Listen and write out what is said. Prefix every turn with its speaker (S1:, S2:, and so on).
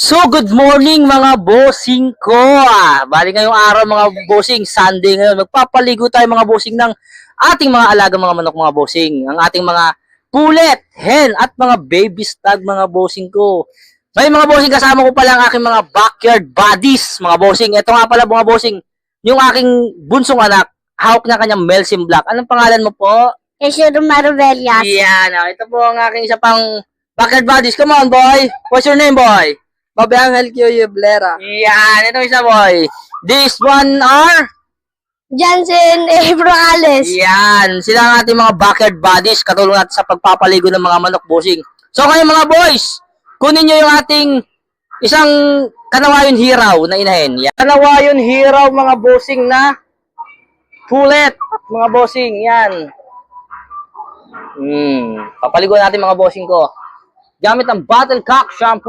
S1: So, good morning mga bossing ko. Bali ngayong araw mga bossing, Sunday ngayon. Magpapaligo tayo mga bossing ng ating mga alaga mga manok mga bossing. Ang ating mga pulet, hen, at mga baby stag mga bossing ko. May mga bossing kasama ko pala ang aking mga backyard buddies mga bossing. Ito nga pala mga bossing, yung aking bunsong anak, hawak niya kanyang Melsim Black. Anong pangalan mo po?
S2: Jesus Marvellas.
S1: Yan, ito po ang aking isa pang backyard buddies. Come on boy, what's your name boy?
S3: Bobby Angel Q. Yublera.
S1: Yan, ito isa boy. This one are?
S2: Jansen Brocales.
S1: Yan, sila ang ating mga backyard buddies. Katulong natin sa pagpapaligo ng mga manok bossing. So kayo mga boys, kunin nyo yung ating isang kanawayon hiraw na inahin. Yan. Kanawayon hiraw mga bossing na pulet. Mga bossing, yan. Papaligo natin mga bossing ko. Gamit ang Battlecock shampoo.